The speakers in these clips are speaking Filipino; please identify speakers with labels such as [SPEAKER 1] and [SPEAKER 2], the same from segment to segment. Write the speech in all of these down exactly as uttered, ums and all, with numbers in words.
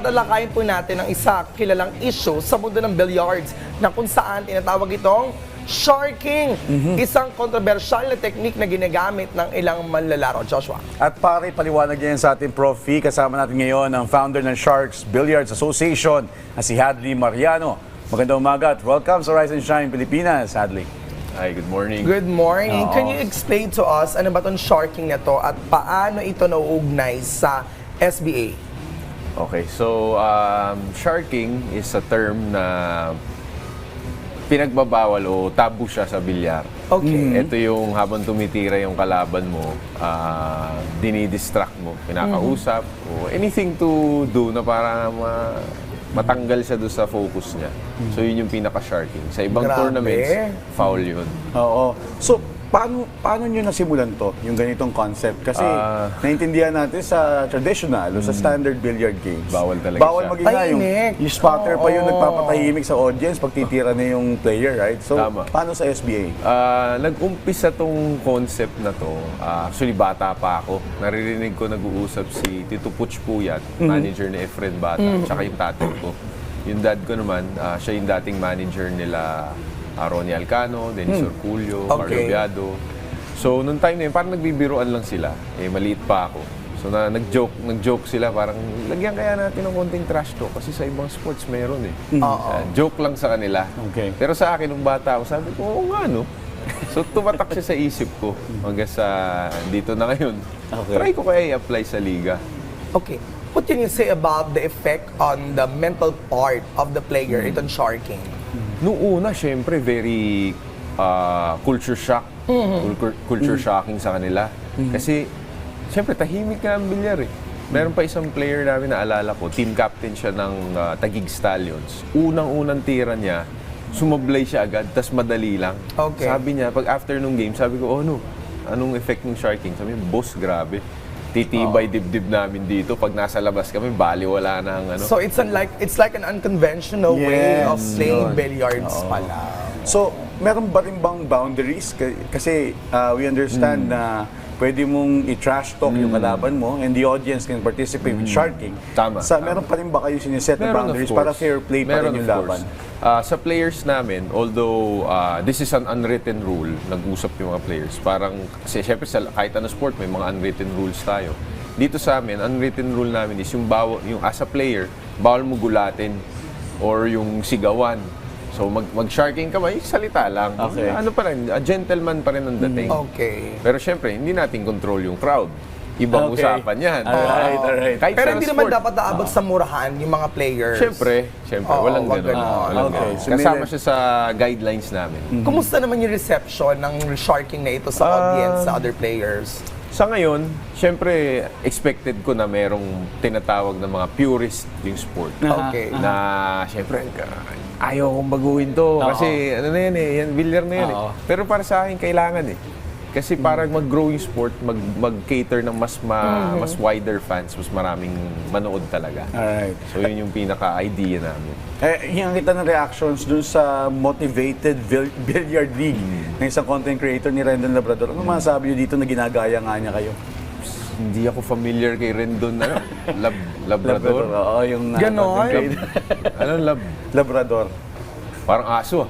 [SPEAKER 1] tatalakayin po natin ang isa kilalang issue sa mundo ng billiards na kung saan tinatawag itong sharking. Mm-hmm. Isang kontrobersyal na teknik na ginagamit ng ilang manlalaro. Joshua.
[SPEAKER 2] At pare, paliwanag yan sa ating Prof Kasama natin ngayon ang founder ng Sharks Billiards Association na si Hadley Mariano. Magandang umaga at welcome sa Rise and Shine Pilipinas, Hadley.
[SPEAKER 3] Hi, good morning.
[SPEAKER 1] Good morning.
[SPEAKER 2] Oo.
[SPEAKER 1] Can you explain to us ano ba itong sharking na to at paano ito nauugnay sa S B A?
[SPEAKER 3] Okay, so um, sharking is a term na pinagbabawal o tabu siya sa bilyar.
[SPEAKER 1] Okay.
[SPEAKER 3] Ito yung habang tumitira yung kalaban mo, uh, dinidistract mo, pinakausap, o anything to do na para ma matanggal siya doon sa focus niya. So yun yung pinaka-sharking. Sa ibang
[SPEAKER 1] Grabe.
[SPEAKER 3] tournaments, foul yun.
[SPEAKER 2] Oo. So, paano paano nyo nasimulan to, yung ganitong concept? Kasi
[SPEAKER 3] Ah.
[SPEAKER 2] naintindihan natin sa traditional o sa standard billiard games.
[SPEAKER 3] Bawal talaga
[SPEAKER 2] Bawal
[SPEAKER 3] siya.
[SPEAKER 2] maging nga yung,
[SPEAKER 1] Tahimik.
[SPEAKER 2] yung spotter pa yung
[SPEAKER 1] Oo.
[SPEAKER 2] nagpapatahimik sa audience pag titira na yung player, right? So,
[SPEAKER 3] Tama.
[SPEAKER 2] paano sa S B A?
[SPEAKER 3] Ah, nag-umpisa tong concept na to. Ah, actually, bata pa ako. Naririnig ko nag-uusap si Tito Puch Puyat, manager ni Efren Bata, tsaka yung tatay ko. Yung dad ko naman, ah, siya yung dating manager nila ah, Ronnie Alcano, Dennis Orculio, Carlo
[SPEAKER 1] Okay.
[SPEAKER 3] Biado. So, nung time na yun, parang nagbibiruan lang sila. Eh, maliit pa ako. So, na, nag-joke, nag-joke sila, parang lagyan kaya natin ng konting trash talk kasi sa ibang sports meron eh.
[SPEAKER 1] Oo.
[SPEAKER 3] Ah, joke lang sa kanila.
[SPEAKER 2] Okay.
[SPEAKER 3] Pero sa akin, nung bata ako, sabi ko, oo nga, no? So, tumatak siya sa isip ko hanggang sa dito na ngayon.
[SPEAKER 2] Okay.
[SPEAKER 3] Try ko kaya i-apply sa liga.
[SPEAKER 1] Okay. What can you say about the effect on the mental part of the player, itong sharking?
[SPEAKER 3] Noong una, syempre, very ah, culture shock. Culture, culture shocking sa kanila. Kasi, syempre, tahimik nga ang bilyar eh. Meron pa isang player namin na alala ko, team captain siya ng ah, Taguig Stallions. Unang-unang tira niya, sumablay siya agad, tas madali lang.
[SPEAKER 1] Okay.
[SPEAKER 3] Sabi niya, pag after nung game, sabi ko, oh no, anong effect ng sharking? Sabi niya, boss, grabe. Titibay dibdib namin dito. Pag nasa labas kami, bali wala na ang ano.
[SPEAKER 1] So it's unlike it's like an unconventional way
[SPEAKER 2] Yes,
[SPEAKER 1] of playing
[SPEAKER 2] yun.
[SPEAKER 1] billiards pala.
[SPEAKER 2] So, meron ba rin bang boundaries? K- Kasi uh, we understand na pwede mong i-trash talk yung kalaban mo and the audience can participate with sharking.
[SPEAKER 3] Tama,
[SPEAKER 2] Sa,
[SPEAKER 3] tama.
[SPEAKER 2] meron pa rin ba kayo siniset na
[SPEAKER 3] Meron, of
[SPEAKER 2] boundaries
[SPEAKER 3] course.
[SPEAKER 2] para fair play pa
[SPEAKER 3] Meron,
[SPEAKER 2] rin yung
[SPEAKER 3] of course.
[SPEAKER 2] laban?
[SPEAKER 3] Ah, sa players namin, although ah, this is an unwritten rule, nag-usap yung mga players. Parang, kasi syempre sa kahit ano sport, may mga unwritten rules tayo. Dito sa amin, unwritten rule namin is yung, bawal, yung as a player, bawal mo gulatin or yung sigawan. So mag, mag-sharking ka ba, yung salita lang.
[SPEAKER 2] Okay.
[SPEAKER 3] Ano pa rin, a gentleman pa rin ang dating.
[SPEAKER 1] Okay.
[SPEAKER 3] Pero syempre, hindi natin control yung crowd. Ibang
[SPEAKER 2] Okay.
[SPEAKER 3] usapan yan.
[SPEAKER 2] Alright, alright.
[SPEAKER 3] Kahit
[SPEAKER 1] Pero
[SPEAKER 3] sa
[SPEAKER 1] hindi naman
[SPEAKER 3] sport.
[SPEAKER 1] dapat naabot sa murahan yung mga players.
[SPEAKER 3] Siyempre, siyempre,
[SPEAKER 1] Oo,
[SPEAKER 3] walang
[SPEAKER 1] wag
[SPEAKER 3] ganun.
[SPEAKER 1] ganun.
[SPEAKER 3] Walang
[SPEAKER 2] Okay,
[SPEAKER 3] ganun.
[SPEAKER 2] so
[SPEAKER 3] Kasama
[SPEAKER 2] may-
[SPEAKER 3] siya sa guidelines namin.
[SPEAKER 1] Kumusta naman yung reception ng sharking na ito sa
[SPEAKER 3] Ah,
[SPEAKER 1] audience, sa other players?
[SPEAKER 3] Sa ngayon, siyempre, expected ko na merong tinatawag na mga purist yung sport.
[SPEAKER 1] Okay.
[SPEAKER 3] Na, siyempre, ayaw kong baguhin to. Kasi, ano na yan eh, yan, bilyar na yan eh. Pero para sa akin, kailangan eh. Kasi para mag-grow yung sport, mag, mag-cater ng mas ma, mas wider fans, mas maraming manood talaga.
[SPEAKER 2] Alright.
[SPEAKER 3] So, yun yung pinaka-idea namin.
[SPEAKER 2] Eh, hingan kita ng reactions dun sa Motivated Bil- Billiard League ng isang content creator ni Rendon Labrador. Ano masasabi niyo dito na ginagaya nga niya kayo?
[SPEAKER 3] Hindi ako familiar kay Rendon, ano? Lab, Labrador?
[SPEAKER 2] Oo, yung uh,
[SPEAKER 1] Ganon?
[SPEAKER 2] content creator.
[SPEAKER 3] Anong lab?
[SPEAKER 2] Labrador.
[SPEAKER 3] Parang aso ah.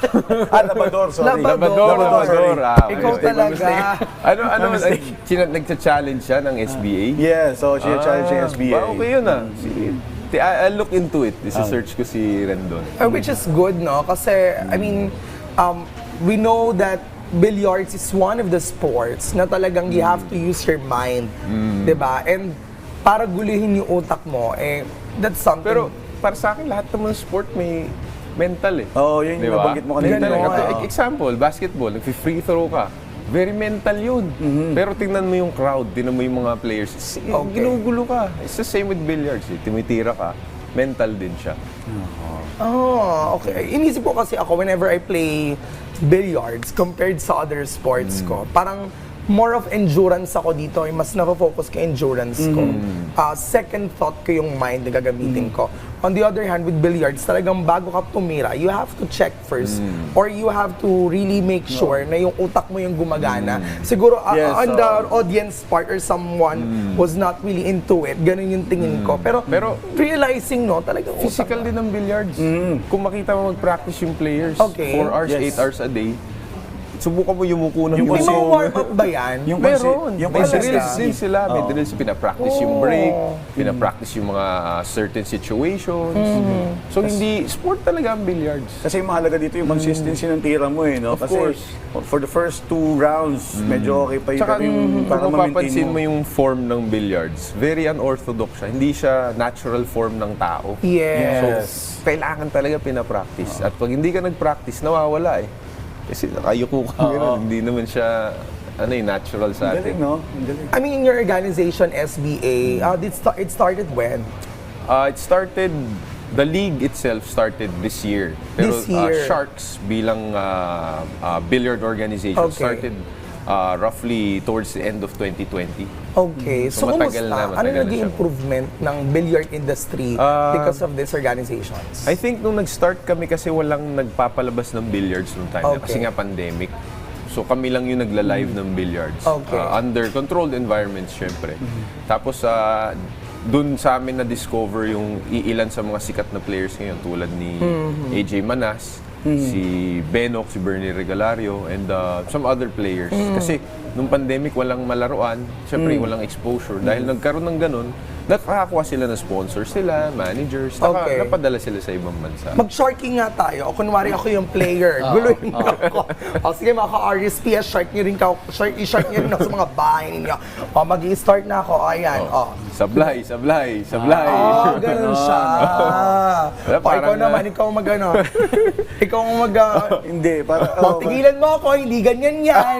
[SPEAKER 2] Ah, Labrador, sorry.
[SPEAKER 1] Labrador.
[SPEAKER 3] Labrador.
[SPEAKER 2] sorry.
[SPEAKER 3] Ah,
[SPEAKER 1] Ikaw
[SPEAKER 3] okay.
[SPEAKER 1] talaga.
[SPEAKER 3] Ano, ano,
[SPEAKER 2] My mistake.
[SPEAKER 3] sina- nagcha-challenge siya ng S B A?
[SPEAKER 2] Yeah, so siya challenge yung S B A.
[SPEAKER 3] Ah, okay yun ah. Sige. Ti- I- I'll look into it. This is search ko si Rendon.
[SPEAKER 1] Uh, which is good, no? Kasi, I mean, um, we know that billiards is one of the sports na talagang you have to use your mind. Di ba? And para gulihin yung utak mo, eh, that's something.
[SPEAKER 3] Pero para sa akin, lahat naman sport may mental eh.
[SPEAKER 2] Oo, yun yung
[SPEAKER 3] Di ba?
[SPEAKER 2] nabanggit mo kanina.
[SPEAKER 3] Mental eh.
[SPEAKER 1] Ganon.
[SPEAKER 3] Ito, example, basketball, nag-free throw ka. Very mental yun. Pero tingnan mo yung crowd, tingnan mo yung mga players. Sige,
[SPEAKER 1] Okay.
[SPEAKER 3] ginugulo ka. It's the same with billiards eh. Tumitira ka, mental din siya.
[SPEAKER 1] Oh, okay. Inisip ko kasi ako whenever I play billiards compared sa other sports ko, parang more of endurance ako dito, eh, mas na-focus ko endurance ko.
[SPEAKER 2] Mm-hmm.
[SPEAKER 1] Ah, second thought ko yung mind na gagamitin ko. On the other hand, with billiards, talagang bago ka tumira, you have to check first.
[SPEAKER 2] Mm.
[SPEAKER 1] Or you have to really make sure na yung utak mo yung gumagana. Siguro, ah,
[SPEAKER 2] Yes,
[SPEAKER 1] on the
[SPEAKER 2] oo.
[SPEAKER 1] audience part or someone was not really into it, ganun yung tingin ko. Pero,
[SPEAKER 3] Pero-
[SPEAKER 1] realizing, no, talagang
[SPEAKER 3] Physical din ng billiards. Kung makita mo mag-practice yung players,
[SPEAKER 1] Okay.
[SPEAKER 3] four hours,
[SPEAKER 2] Yes.
[SPEAKER 3] eight hours a day, subukan mo yumuko ng
[SPEAKER 2] Yung
[SPEAKER 1] May
[SPEAKER 3] yumuko.
[SPEAKER 1] mga
[SPEAKER 2] Kasi-
[SPEAKER 1] warm-up ba yan?
[SPEAKER 2] Yung
[SPEAKER 3] Meron.
[SPEAKER 2] Yung
[SPEAKER 3] May
[SPEAKER 2] consistency.
[SPEAKER 3] drills din sila. May
[SPEAKER 2] Oo.
[SPEAKER 3] drills. Pinapractice yung
[SPEAKER 1] Oh.
[SPEAKER 3] break. Pinapractice yung mga uh, certain situations. So, hindi, sport talaga ang billiards.
[SPEAKER 2] Kasi yung mahalaga dito yung consistency ng tira mo eh, no?
[SPEAKER 3] Of
[SPEAKER 2] Kasi
[SPEAKER 3] course.
[SPEAKER 2] for the first two rounds, medyo okay pa yun.
[SPEAKER 3] Tsaka
[SPEAKER 2] Pero yung para
[SPEAKER 3] kung
[SPEAKER 2] ma-maintain
[SPEAKER 3] mapapansin mo yung form ng billiards, very unorthodox siya. Hindi siya natural form ng tao.
[SPEAKER 1] Yes.
[SPEAKER 3] So, kailangan talaga pinapractice. At pag hindi ka nag-practice, nawawala eh. Kasi nakayuko ka gano'n. Hindi naman siya ano eh, natural sa
[SPEAKER 2] Ang galing,
[SPEAKER 3] atin.
[SPEAKER 2] no? Ang galing.
[SPEAKER 1] I mean, in your organization, S B A, uh, it, sta- it started when?
[SPEAKER 3] Uh, it started, the league itself started this year. Pero
[SPEAKER 1] This year.
[SPEAKER 3] Uh, Sharks bilang uh, uh, billiard organization
[SPEAKER 1] Okay.
[SPEAKER 3] started uh, roughly towards the end of twenty twenty.
[SPEAKER 1] Okay. So,
[SPEAKER 3] So, matagal
[SPEAKER 1] kumusta?
[SPEAKER 3] na,
[SPEAKER 1] ano
[SPEAKER 3] matagal na
[SPEAKER 1] naging
[SPEAKER 3] siya.
[SPEAKER 1] improvement ng billiard industry
[SPEAKER 3] Ah,
[SPEAKER 1] because of these organizations?
[SPEAKER 3] I think nung nag-start kami kasi walang nagpapalabas ng billiards nung time na,
[SPEAKER 1] Okay.
[SPEAKER 3] kasi nga pandemic. So kami lang yung nagla-live ng billiards.
[SPEAKER 1] Okay.
[SPEAKER 3] Uh, under controlled environments, syempre. Tapos uh, dun sa amin na-discover yung iilan sa mga sikat na players ngayon tulad ni A J Manas, si Benok, si Bernie Regalario, and uh, some other players. Kasi nung pandemic, walang malaruan, syempre walang exposure. Dahil nagkaroon ng ganun, nakakakuha sila ng sponsors sila, managers, naka,
[SPEAKER 1] Okay.
[SPEAKER 3] napadala sila sa ibang bansa.
[SPEAKER 1] Mag-sharking nga tayo. O kunwari ako yung player. Guluhin mo ako. O sige mga ka-R S P, shark nyo rin ka. Shark, i-shark nyo rin ako sa mga bahay ninyo. O mag-i-start na ako. Ayan. O.
[SPEAKER 3] Sablay, sablay, sablay.
[SPEAKER 1] Oh, ganun siya.
[SPEAKER 3] Wala,
[SPEAKER 1] O, ikaw
[SPEAKER 3] parang,
[SPEAKER 1] naman,
[SPEAKER 3] ah,
[SPEAKER 1] ikaw mag ano. Ikaw ang mag... Uh,
[SPEAKER 2] Hindi, para...
[SPEAKER 1] oh, tigilan mo ako, hindi ganyan yan.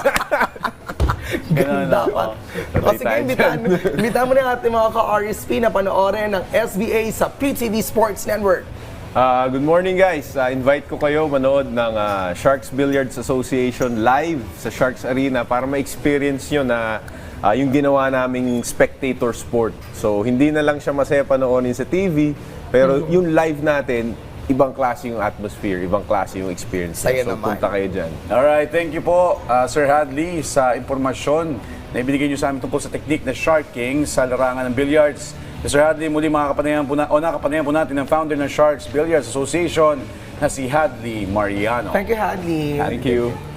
[SPEAKER 1] Ganun
[SPEAKER 2] Ganun,
[SPEAKER 1] dapat.
[SPEAKER 3] oo.
[SPEAKER 1] O sige, imbitahan, imbitahan mo na yung ating mga ka-R S P na panoorin ng S B A sa P T V Sports Network.
[SPEAKER 3] Ah, good morning guys. Ah, invite ko kayo manood ng ah, Sharks Billiards Association live sa Sharks Arena para ma-experience nyo na ah, yung ginawa naming spectator sport. So hindi na lang siya masaya panoorin sa T V, pero yung live natin, ibang klase yung atmosphere, ibang klase yung experience.
[SPEAKER 1] Saya
[SPEAKER 3] so
[SPEAKER 1] naman.
[SPEAKER 3] punta kayo dyan.
[SPEAKER 2] Alright, thank you po, uh, Sir Hadley, sa impormasyon na ibinigay niyo sa amin tungkol sa technique na sharking sa larangan ng billiards. Sir Hadley, muli makakapanayan po, na, o nakapanayan po natin ang founder ng Sharks Billiards Association na si Hadley Mariano.
[SPEAKER 1] Thank you, Hadley.
[SPEAKER 3] Thank you.